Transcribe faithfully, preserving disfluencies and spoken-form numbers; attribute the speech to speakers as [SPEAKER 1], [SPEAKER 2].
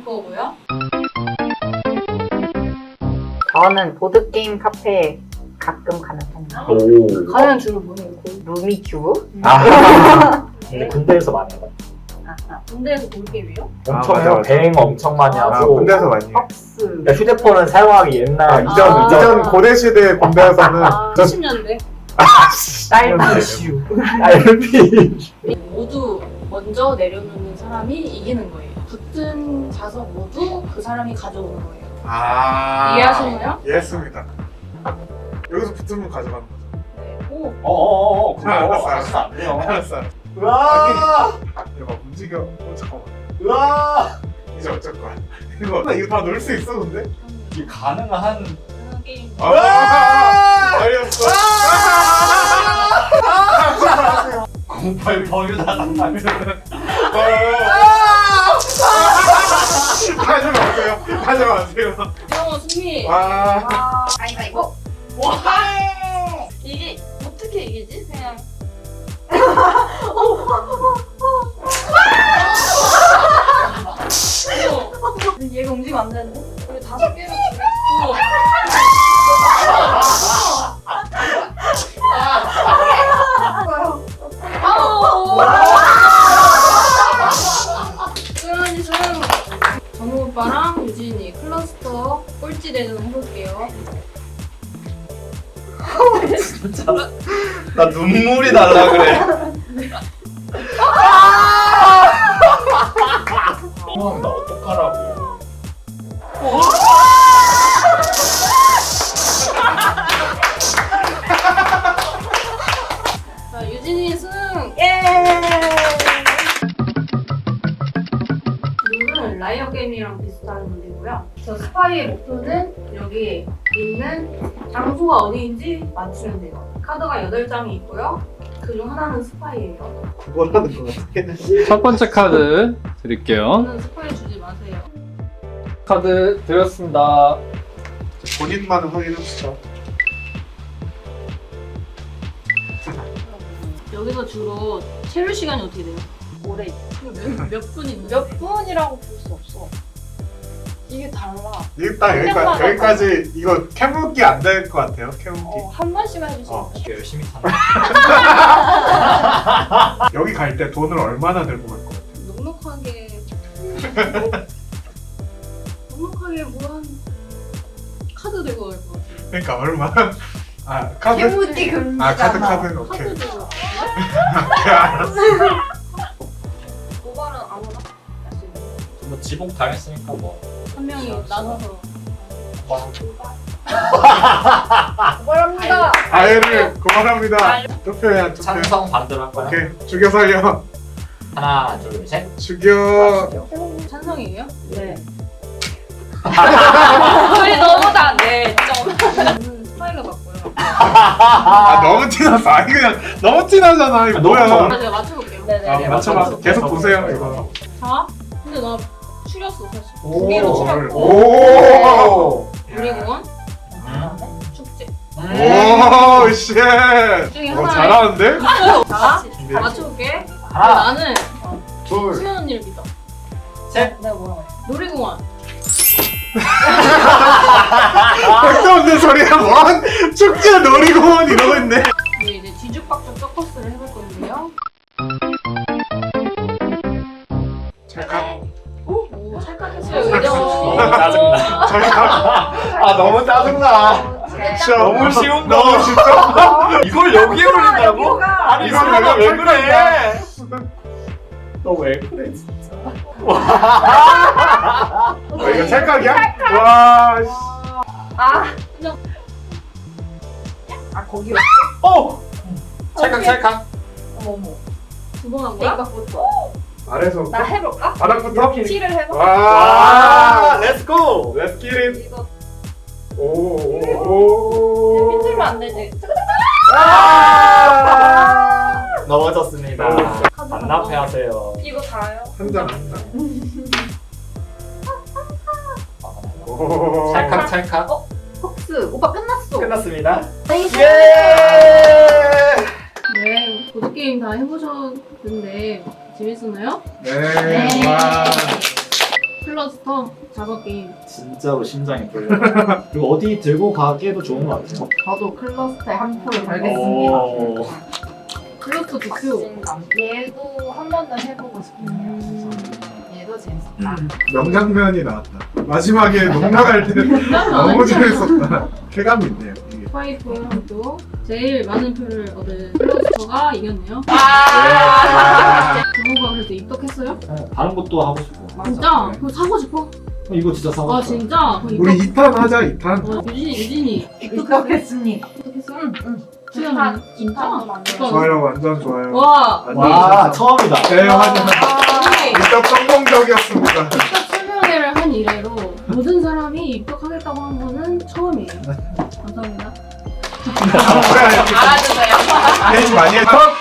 [SPEAKER 1] 거고요.
[SPEAKER 2] 저는 보드게임 카페에 가끔 가는 편이에요.
[SPEAKER 3] 오.
[SPEAKER 1] 가면 주로 뭐예요?
[SPEAKER 2] 루미큐브?
[SPEAKER 3] 아. 근데 군대에서 많이 해요.
[SPEAKER 2] 아, 아.
[SPEAKER 1] 군대에서 볼게임이요?
[SPEAKER 3] 엄청
[SPEAKER 4] 아,
[SPEAKER 3] 해요.
[SPEAKER 4] 맞아, 맞아.
[SPEAKER 3] 대행 엄청 많이
[SPEAKER 4] 아,
[SPEAKER 3] 하고.
[SPEAKER 4] 군대에서 많이 해요.
[SPEAKER 2] 헉스.
[SPEAKER 3] 그러니까 휴대폰은 사용하기 옛날.
[SPEAKER 4] 아, 이전,
[SPEAKER 1] 아.
[SPEAKER 4] 이전 고대 시대 군대에서는
[SPEAKER 1] 아,
[SPEAKER 4] 전
[SPEAKER 1] 칠십 년대.
[SPEAKER 2] 딸기 이슈.
[SPEAKER 3] 알피.
[SPEAKER 1] 모두 먼저 내려놓는 사람이 이기는 거예요. 붙은 자석 모두 그 사람이 가져오는 거예요.
[SPEAKER 4] 아.
[SPEAKER 1] 이해하시나요?
[SPEAKER 4] 이해했습니다. 여기서 붙으면 가져가는 거죠.
[SPEAKER 1] 네. 오,
[SPEAKER 3] 어어어어. 그거
[SPEAKER 4] 알았어,
[SPEAKER 3] 하시면 안 돼요.
[SPEAKER 4] 알았어, 알았어.
[SPEAKER 3] 으아.
[SPEAKER 4] 이거 움직여. 어, 잠깐만.
[SPEAKER 3] 으아.
[SPEAKER 4] 이제 어쩔 거야. 이거, 이거 다 놀 수 있어, 근데?
[SPEAKER 3] 이 가능한.
[SPEAKER 1] 그런 게임.
[SPEAKER 4] 아! 어이없어.
[SPEAKER 3] 공팔 버유다 상담.
[SPEAKER 4] 하지 마세요. 하지 마세요.
[SPEAKER 1] 이영호 승리.
[SPEAKER 4] 와.
[SPEAKER 2] 가위바위보.
[SPEAKER 1] 와. 이게 어떻게 이기지? 그냥. 어. 얘가 움직이면 안 되는데? 우리 다섯 개로 어. 그러니 저는 정우 오빠랑 유진이 클러스터 꼴찌 대전 해볼게요.
[SPEAKER 3] 진짜. 나 눈물이 날라 그래. 형, 나 어떡하라고.
[SPEAKER 1] 자, 유진이 승!
[SPEAKER 2] 예!
[SPEAKER 1] 룰은 라이어 게임이랑 비슷한 문제고요. 저 스파이의 목표는 여기 있는 장소가 어디인지 맞추면 돼요. 카드가 여덟 장이 있고요. 그중 하나는 스파이예요.
[SPEAKER 4] 구걸하는 거 같아.
[SPEAKER 5] 첫 번째 카드 드릴게요.
[SPEAKER 1] 저는 스파이 주지 마세요.
[SPEAKER 5] 카드 드렸습니다.
[SPEAKER 4] 본인만 확인합시다.
[SPEAKER 1] 여기서 주로 체류 시간이 어떻게 돼요?
[SPEAKER 2] 오래.
[SPEAKER 1] 몇, 몇 분인데?
[SPEAKER 2] 몇 분이라고 볼 수 없어. 이게 달라.
[SPEAKER 4] 일단 여기까지,
[SPEAKER 2] 생각보다
[SPEAKER 4] 여기까지 이거 캐묻기 안 될 것 같아요. 캐묻기.
[SPEAKER 2] 어, 한 번씩만 해주시면
[SPEAKER 4] 어.
[SPEAKER 3] 열심히 사는.
[SPEAKER 4] 여기 갈 때 돈을 얼마나 들고 갈 것 같아요?
[SPEAKER 1] 넉넉하게 넉넉하게 뭐한 카드 들고 갈 것 같아요.
[SPEAKER 4] 그러니까 얼마? 아 카드?
[SPEAKER 2] 캐묻기 금지잖아.
[SPEAKER 4] 아 카드 카드 오케이.
[SPEAKER 1] 카드 들고
[SPEAKER 4] 오케이 알았어.
[SPEAKER 1] 고발은 아무나 할 수 있는
[SPEAKER 3] 뭐 지복 당했으니까 뭐.
[SPEAKER 1] 한 명이 나눠서
[SPEAKER 2] 고발합니다.
[SPEAKER 4] 아예를 고발합니다. 투표야 투표.
[SPEAKER 3] 찬성 반대로 할 거야.
[SPEAKER 4] 오케이 죽여 살려.
[SPEAKER 3] 하나, 둘, 셋.
[SPEAKER 4] 죽여.
[SPEAKER 1] 찬성이에요?
[SPEAKER 2] 네.
[SPEAKER 1] 우리 너무 다 네. 저는 스파이가 맞고요.
[SPEAKER 4] 아 너무 티났어. 아니 그냥 너무 티나잖아. 이거
[SPEAKER 3] 아, 너무
[SPEAKER 4] 뭐야?
[SPEAKER 3] 좋아.
[SPEAKER 1] 아, 제가 맞춰볼게요.
[SPEAKER 2] 네네.
[SPEAKER 4] 아, 맞춰봐. 계속 보세요 이거.
[SPEAKER 1] 자, 근데 나 추렸어 사실. 두 개로 추렸고
[SPEAKER 4] 오.
[SPEAKER 1] 놀이공원 축제.
[SPEAKER 4] 오 쉣.
[SPEAKER 1] 중에
[SPEAKER 4] 어
[SPEAKER 1] 하나에-
[SPEAKER 4] 잘하는데?
[SPEAKER 1] 자, 맞춰볼게.
[SPEAKER 3] 하나,
[SPEAKER 1] 나는
[SPEAKER 4] 둘.
[SPEAKER 1] 수면 언니를 믿어.
[SPEAKER 3] 셋.
[SPEAKER 2] 내가 뭐라고 했어?
[SPEAKER 1] 놀이공원.
[SPEAKER 4] 백도 없는 소리야 뭔 축제 놀이공원 이러고 있네.
[SPEAKER 1] 우리 이제 뒤죽박죽 서커스를 해볼 건데요.
[SPEAKER 4] 찰칵.
[SPEAKER 1] 오, 찰칵했어요.
[SPEAKER 3] 너무
[SPEAKER 1] 의정.
[SPEAKER 3] 짜증나.
[SPEAKER 4] 찰칵.
[SPEAKER 3] 아, 너무 짜증나.
[SPEAKER 4] 진짜
[SPEAKER 3] 너무 쉬운 거.
[SPEAKER 4] 너무 쉽죠?
[SPEAKER 3] 이걸 여기에 올린다고? 아니,
[SPEAKER 4] 이건
[SPEAKER 3] 설마 왜
[SPEAKER 4] 내가
[SPEAKER 3] 그래? 너 왜 그래, 진짜.
[SPEAKER 4] 아, 이거 찰칵이야? 와 씨.
[SPEAKER 2] 아.
[SPEAKER 1] 그냥-
[SPEAKER 2] 아 거기.
[SPEAKER 3] 어! 찰칵, 찰칵.
[SPEAKER 2] 어머 어머.
[SPEAKER 1] 두 번 한 거야?
[SPEAKER 2] 이거부터.
[SPEAKER 4] 아래서
[SPEAKER 2] 나 해볼까?
[SPEAKER 4] 바닥부터?
[SPEAKER 2] 티를 해봐.
[SPEAKER 4] 와.
[SPEAKER 3] 렛츠고!
[SPEAKER 4] Let's get it.
[SPEAKER 2] 이거
[SPEAKER 4] 오오오.
[SPEAKER 2] 삐뚤면 안 되지.
[SPEAKER 4] 아.
[SPEAKER 3] 넘어졌습니다.
[SPEAKER 4] 넘어졌어.
[SPEAKER 3] 반납해 하세요.
[SPEAKER 2] 이거 다요.
[SPEAKER 4] 한 장. 한 장. 오.
[SPEAKER 3] 찰칵, 찰칵.
[SPEAKER 2] 헉스. 오빠 끝났어.
[SPEAKER 3] 끝났습니다.
[SPEAKER 2] 예.
[SPEAKER 3] 예!
[SPEAKER 1] 네, 보드게임 다 해보셨는데 재밌었나요?
[SPEAKER 4] 네. 와.
[SPEAKER 1] 클러스터 작업 게임.
[SPEAKER 3] 진짜로 심장이 떨려. 그리고 어디 들고 가기에도 좋은 것 같아요.
[SPEAKER 2] 저도 클러스터에 한 표를
[SPEAKER 3] 오.
[SPEAKER 2] 달겠습니다.
[SPEAKER 1] 클러스터 두 표.
[SPEAKER 2] 박진감. 얘도 한 번 더 해보고 싶네요. 얘도 재밌었다.
[SPEAKER 4] 명장면이 나왔다. 마지막에 농락할 때 너무 재밌었다. 쾌감이 있네요. 이게.
[SPEAKER 1] 스파이포도 제일 많은 표를 얻은 클러스터가 이겼네요.
[SPEAKER 2] 아!
[SPEAKER 1] 부모가 그래도 입덕했어요?
[SPEAKER 3] 다른 것도 하고 싶고.
[SPEAKER 1] 진짜? 그거 사고 싶어?
[SPEAKER 3] 이거 진짜 사고
[SPEAKER 1] 아
[SPEAKER 3] 싶어.
[SPEAKER 1] 진짜? 그럼
[SPEAKER 4] 우리
[SPEAKER 1] 입덕.
[SPEAKER 4] 이 탄 하자, 이 탄.
[SPEAKER 1] 어, 유진이 유진이
[SPEAKER 2] 입덕했습니다.
[SPEAKER 1] 입덕했어?
[SPEAKER 2] 응, 응.
[SPEAKER 1] 수연은
[SPEAKER 2] 진짜?
[SPEAKER 1] 진짜?
[SPEAKER 4] 좋아요, 완전 좋아요.
[SPEAKER 1] 와.
[SPEAKER 4] 완전
[SPEAKER 3] 와,
[SPEAKER 4] 좋았어.
[SPEAKER 3] 처음이다.
[SPEAKER 4] 네, 맞아요.
[SPEAKER 1] 언니
[SPEAKER 4] 입덕 성공적이었습니다.
[SPEAKER 1] 입덕 설명회를 한 이래로 모든 사람이 입덕하겠다고 한 거는 처음이에요. 감사합니다.
[SPEAKER 2] 알아주세요.
[SPEAKER 4] 페이지 많이 했어?